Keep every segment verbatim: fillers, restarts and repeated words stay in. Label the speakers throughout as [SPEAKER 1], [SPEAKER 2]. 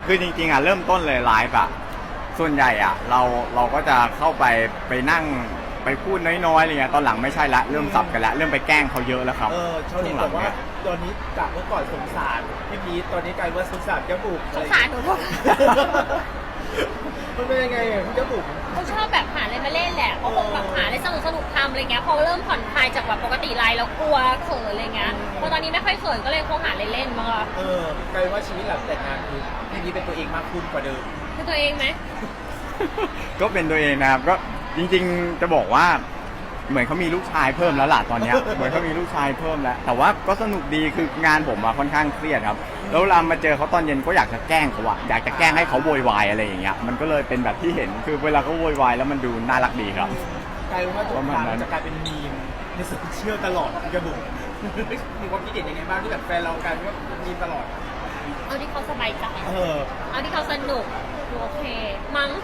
[SPEAKER 1] คือจริงๆอ่ะเริ่มต้นเลยไลฟ์อ่ะส่วนใหญ่อ่ะเราเราก็จะเข้าไปไปนั่งไปพูดน้อยๆอะไรเงี้ยตอนหลังไม่ใช่ละเริ่มสับกันละเริ่มไปแกล้งเขาเยอะแล้วครับ
[SPEAKER 2] เออชาวเน็ตบอกว่าตอนนี้จากเมื่อก่อนสงสารพี่พีทตอนนี้กลายว่าสงสารเจ้าบุก
[SPEAKER 3] สงสารหนูด้วย
[SPEAKER 2] มันเป็นยังไงอ่ะพี่เจ้าบุก
[SPEAKER 3] เขาชอบแบบหาอะไรมาเล่นแหละเขาคงแบบหาอะไรสนุกสนุกทำอะไรเงี้ยพอเริ่มผ่อนคลายจากแบบปกติไลน์แล้วกลัวเขินอะไรเงี้ยพอตอนนี้ไม่ค่อยเขินก็เลยคงหาอะไรเล่นมาก
[SPEAKER 2] เออกลายว่าชีวิตหลังแต่งงานคือพี่พีทเป็นตัวเองมากขึ้นกว่าเดิม
[SPEAKER 3] คือตัวเองไหม
[SPEAKER 1] ก็เป็นตัวเองนะครับก็จริงๆจะบอกว่าเหมือนเขามีลูกชายเพิ่มแล้วล่ะตอนเนี้ย เหมือนเขามีลูกชายเพิ่มแล้วแต่ว่าก็สนุกดีคืองานผมอะค่อนข้างเครียดครับแล้วเวลามาเจอเขาตอนเย็นก็อยากจะแกล้งเขาอะอยากจะแกล้งให้เขาโวยวายอะไรอย่างเงี้ยมันก็เลยเป็นแบบที่เห็นคือเวลาเขาโวยวายแล้วมันดูน่ารักดีครับ
[SPEAKER 2] กลายว่าทุกครั้งจะกลายเป็นมีมในโซเชียลตลอดพี่เจ้าบุกมีความคิดเห็นยังไงบ้างที่แบบแฟนเรากลายเป็นว่ามีตลอด
[SPEAKER 3] เอาที่เขาสบายใจ
[SPEAKER 2] เออ
[SPEAKER 3] เอาที่เขาสนุกหนูโอเคมั้ง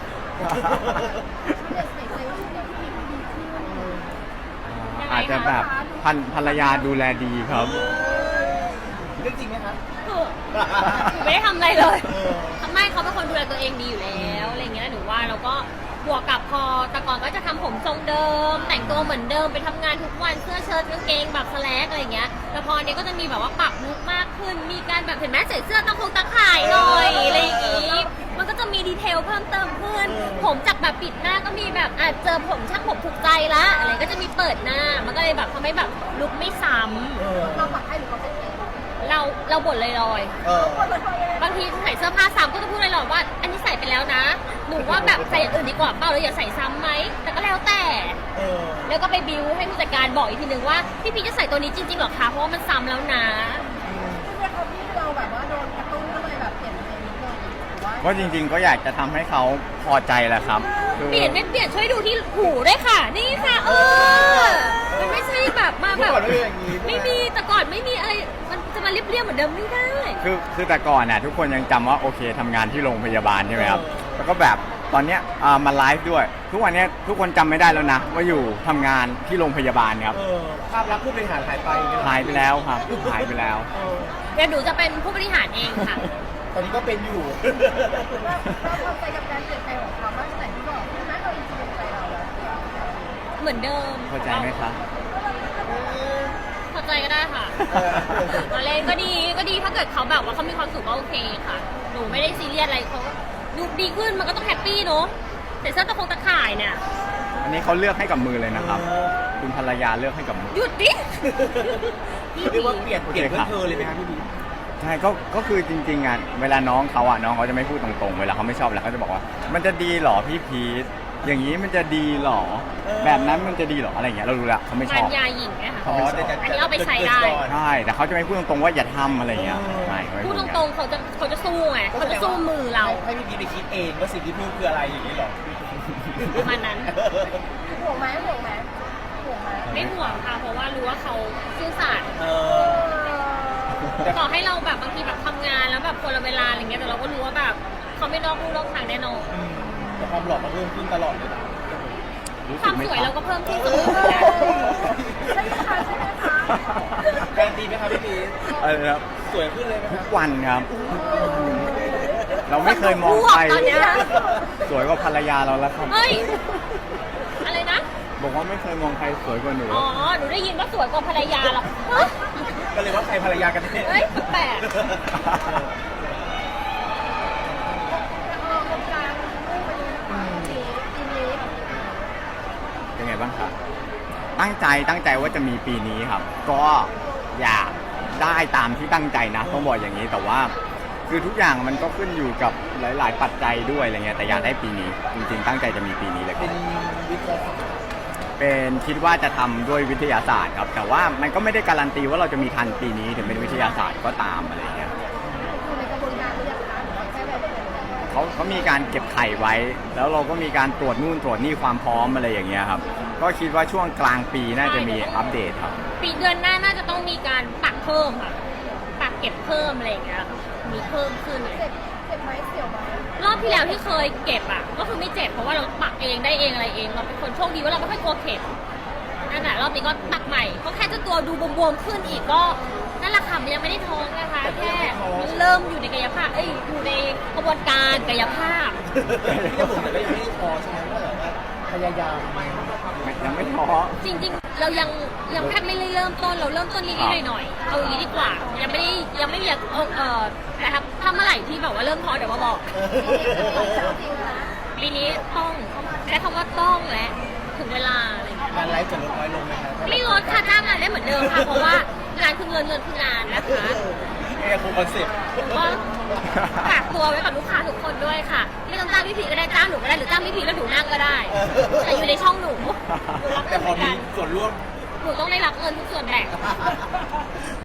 [SPEAKER 1] อาจจะแบบพันภรรยาดูแลดีครับ
[SPEAKER 2] เรื่องจริงไหมครับ
[SPEAKER 3] คือหนูไม่ได้ทำอะไรเลย
[SPEAKER 2] เออ
[SPEAKER 3] ทำไมเขาเป็นคนดูแลตัวเองดีอยู่แล้วอะไรเงี้ยหนูว่าเราก็บวกกับพอแต่ก่อนก็จะทำผมทรงเดิม แต่งตัวเหมือนเดิมไปทำงานทุกวันเสื้อเชิ้ตกางเกงแบบสแลกอะไรเงี้ยแต่พอเนี้ยก็จะมีแบบว่าปรับลุคมากขึ้น มีการแบบเห็นไหมใส่เสื้อตะคงตะข่ายหน่อยอะไรอย่างงี้มันก็จะมีดีเทลเพิ่มเติมขึ้น ผมจากแบบปิดหน้าก็มีแบบอาจเจอผมช่างผมถูกใจละอะไรก็จะมีเปิดหน้า มันก็เลยแบบทำให้แบบลุคไม่ซ้ำ
[SPEAKER 4] เราปักให้หรือเขาเป็นเอง
[SPEAKER 3] เราเราบ่นลอย
[SPEAKER 2] เออ
[SPEAKER 3] ๆบางทีใส่เสื้อผ้าซ้ำก็จะพูดลอยๆว่า อันนี้ใส่ไปแล้วนะ หนูว่าแบบใส่อย่างอื่นดีกว่าเปล่าเราอย่าใส่ซ้ำไหม แต่ก็แล้วแต่
[SPEAKER 2] เออ
[SPEAKER 3] แล้วก็ไปบิวให้ผู้จัดการบอกอีกทีนึงว่าพี่พีชจะใส่ตัวนี้จริงๆหรอคะ เพราะว่ามันซ้ำแล้วนะ
[SPEAKER 4] ซึ่งเนี่ยเขาที่เราแบบว่าโดนกระตุ้นก็เลยแบบเปลี่ยนเพลงนิดนึงหรือว่า
[SPEAKER 1] ก็จริงๆก็อยากจะทำให้เขาพอใจแหละครับคือ
[SPEAKER 3] เปลี่ยนไม่เปลี่ยนช่วยดูที่หูด้วยค่ะ นี่ค่ะ เออ มันไม่ใช่แบบมาแบบ
[SPEAKER 2] เมื่อก่อนไม่เป็นอย่างนี้ใช่ไหม
[SPEAKER 3] ไม่มีแต่ก่อนไม่มีอะไร มันจะมาเรียบๆเหมือนเดิมไม่ได้
[SPEAKER 1] คือคือแต่ก่อนน่ะทุกคนยังจำว่าโอเคทำงานที่โรงพยาบาลใช่ไหมครับแล้วก็แบบตอนเนี้ยอ่ามาไลฟ์ด้วย ทุกวันเนี้ยทุกคนจำไม่ได้แล้วนะว่าอยู่ทำงานที่โรงพยาบาลครับ
[SPEAKER 2] เออภาพลักษณ์ผู้บริหารหายไป
[SPEAKER 1] หายไปแล้วครับหายไปแล้ว
[SPEAKER 2] เออ
[SPEAKER 3] เดี๋ยวหนูจะเป็นผู้บริหารเองค่ะ
[SPEAKER 2] ตอนนี้ก็เป็นอยู่
[SPEAKER 4] ถือว่าเราเข้าใจกับการเปลี่ยนแปลงของเขามากแต่ที่บอกใช่ไหมเราอินสปิเรใจเราแล้ว
[SPEAKER 3] เหมือนเดิม
[SPEAKER 1] เข้าใจไหมครับ
[SPEAKER 3] เข้าใจก็ได้ค่ะ
[SPEAKER 2] เออ
[SPEAKER 3] ตอนเล่นก็ดีก็ดีถ้าเกิดเขาแบบว่าเขามีความสุขก็โอเคค่ะ หนูไม่ได้ซีเรียสอะไรเขาดูดีขึ้นมันก็ต้องแฮปปี้เนาะแต่เสื้อตะคงตะข่ายเนี่ย
[SPEAKER 1] อันนี้เขาเลือกให้กับมือเลยนะครับ คุณภรรยาเลือกให้กับมือ
[SPEAKER 3] หยุดดิ
[SPEAKER 2] เรียกว่าเปลี่ยนเปลี่ยนเพื่อเธอเลยไหมครับพี่บี
[SPEAKER 1] ใช่ก็ก็คือจริงๆอ่ะเวลาน้องเขาอ่ะน้องเขาจะไม่พูดตรงๆเวลาเขาไม่ชอบแล้วเขาจะบอกว่า มันจะดีเหรอพี่พีทอย่างนี้มันจะดีเหรอ แบบนั้นมันจะดีเหรออะไรอย่างเงี้ยเรารู้ละเขาไม่ช
[SPEAKER 3] มั
[SPEAKER 1] อน บ
[SPEAKER 3] ยาหญิงเนี่ยค่ะ
[SPEAKER 1] เขาไม่ชอบ
[SPEAKER 3] อันนี้เอาไปใช้ได้
[SPEAKER 1] ใช่แต่เขาจะไม่พูดตรงๆว่าอย่าทำอะไรอย่างเงี้ยไม่เขาไม่
[SPEAKER 3] พูด
[SPEAKER 1] อ
[SPEAKER 3] ต
[SPEAKER 1] ย่า
[SPEAKER 3] รงๆเขาจะเขาจะสู้ไงเขาจะสู้มือเรา
[SPEAKER 2] ให้พี่บีไปคิดเองว่าสิ่งที่พูดคืออะไรอย่างนี้หรอ
[SPEAKER 3] ประมาณนั้น
[SPEAKER 4] ห่วงไหมห่วงไหมห่วงไหม
[SPEAKER 3] ไม่ห่วงค่ะ เพราะว่ารู้ว่าเขาซื่อสัตย์
[SPEAKER 2] เอ
[SPEAKER 4] เอ
[SPEAKER 2] อ
[SPEAKER 4] อ
[SPEAKER 3] ต่อให้เราแบบบางทีแบบทำงานแล้วแบบคนละเวลาอะไรเงี้ยแต่เราก็รู้ว่าแบบเขาไม่นอกลู่นอกทางแน่นอน
[SPEAKER 2] แต่ความหล่อมันเพิ่มขึ้นตลอดเลยนะ
[SPEAKER 1] รู้
[SPEAKER 3] ค
[SPEAKER 1] สึ
[SPEAKER 3] วาก ม
[SPEAKER 1] ไหม
[SPEAKER 3] สวย
[SPEAKER 1] ครั
[SPEAKER 3] เรา
[SPEAKER 1] บ
[SPEAKER 3] ก็เพิ่มขึ้นเสมอเหมือนกัน
[SPEAKER 4] ใช่ไหมคะใช่ไหมคะ
[SPEAKER 2] การดีไหมครับพี่บี
[SPEAKER 1] อะไรนะครับ
[SPEAKER 2] สวยขึ้นเลยไหมค
[SPEAKER 1] ทุ
[SPEAKER 2] รับ
[SPEAKER 1] กวันครับ เราไม่เคยมองใคร
[SPEAKER 3] ตอนเนี้ย
[SPEAKER 1] สวยกว่าภรรยาเราแล้วครับ
[SPEAKER 3] เฮ้ย อะไรนะ
[SPEAKER 1] บอกว่าไม่เคยมองใครสวยกว่าหนู
[SPEAKER 3] อ๋อ หนูได้ยินว่าสวยกว่าภรรยาหรอฮะ
[SPEAKER 2] ก็เลยว่าใครภรรยากันแน่
[SPEAKER 3] เฮ้ยแปลก
[SPEAKER 4] ออกกำลังกายมุ่งไปเลยนะคะปีปีนี้
[SPEAKER 1] เป็นไงบ้างครับ ตั้งใจตั้งใจว่าจะมีปีนี้ครับ ก็อยากได้ตามที่ตั้งใจนะต้องบอกอย่างนี้ แต่ว่าคือทุกอย่างมันก็ขึ้นอยู่กับหลาย ๆ ปัจจัยด้วยอะไรเงี้ย แต่อยากได้ปีนี้ จริง ๆ ตั้งใจจะมีปีนี้เลยค
[SPEAKER 2] เป็
[SPEAKER 1] รับ
[SPEAKER 2] นวิทยาศาสตร์
[SPEAKER 1] เป็นคิดว่าจะทำด้วยวิทยาศาสตร์ครับ แต่ว่ามันก็ไม่ได้การันตีว่าเราจะมีทันปีนี้ถึงเป็นวิทยาศาสตร์ก็ตามอะไรเงี้ย
[SPEAKER 4] อยู่ในกระบวนการหรือยังคะหรือว่าแค่แบบเป็น
[SPEAKER 1] เขาเขามีการเก็บไข่ไว้ แล้วเราก็มีการตรวจนู่นตรวจนี่ความพร้อมอะไรอย่างเงี้ยครับ ก็คิดว่าช่วงกลางปีน่าจะมีอัปเดตครับ
[SPEAKER 3] ปีเดือนหน้าน่าจะต้องมีการปักเพิ่มค่ะ ปักเก็บเพิ่มอะไรอย่างเงี้ย มีเพิ่มขึ้นเลย
[SPEAKER 4] เจ็บเจ็บไหมเสียวไหม
[SPEAKER 3] รอบที่แล้วที่เคยเก็บอ่ะ ก็คือไม่เจ็บเพราะว่าเราปักเองได้เองอะไรเอง เราเป็นคนโชคดีว่าเราไม่ค่อยกลัวเข็มนั่นแหละรอบนี้ก็ปักใหม่ก็แค่จะตัวดูบวมๆขึ้นอีกก็นั่นแหละค่ะมันยังไม่ได้ท้องนะคะแค่มันเริ่มอยู่ในกายภาพเอ้ยอยู่ในกระบวนการกายภาพ
[SPEAKER 2] พี่กระบุ๋มแต่ก็ยังไม่ได้พอใช่ไหมว่าแบบว่าพยายาม
[SPEAKER 1] ยังไม่ท้อ
[SPEAKER 3] จริงๆ เรายังยังแค่ไม่ได้เริ่มต้นเราเริ่มต้นนิดๆหน่อยๆเอาอย่างนี้ดีกว่า ยังไม่ได้ยังไม่อยากเอาเออแต่ถ้าถ้าเมื่อไหร่ที่แบบว่าเริ่มท้อเดี๋ยวมาบอกปีนี้ต้องใช้คำว่าต้องและถึงเวลาอะไรอย่างเงี้ย
[SPEAKER 2] การไลฟ์จะลดน้อยลงไหมครับ
[SPEAKER 3] ไม่ลดค่ะจ้างงานได้เหมือนเดิมค่ะ เพราะว่างานคือเงินเงินคืองานนะคะ
[SPEAKER 2] เอ้คงคอนเซ็ปต์
[SPEAKER 3] ก็ฝากตัวไว้กับลูกค้าทุกคนด้วยค่ะ ไม่ต้องจ้างพี่พีก็ได้จ้างหนูก็ได้หรือจ้างพี่พีแล้วหนูนั่งก็ได้แต่อยู่ในช่องหนูหนูรับ
[SPEAKER 2] แต่
[SPEAKER 3] เงิน
[SPEAKER 2] พ
[SPEAKER 3] เห
[SPEAKER 2] อ
[SPEAKER 3] มือน
[SPEAKER 2] มี
[SPEAKER 3] กัน
[SPEAKER 2] ส่วนร่วม
[SPEAKER 3] หนูต้องได้รับเงินทุกส่วนแบ่ง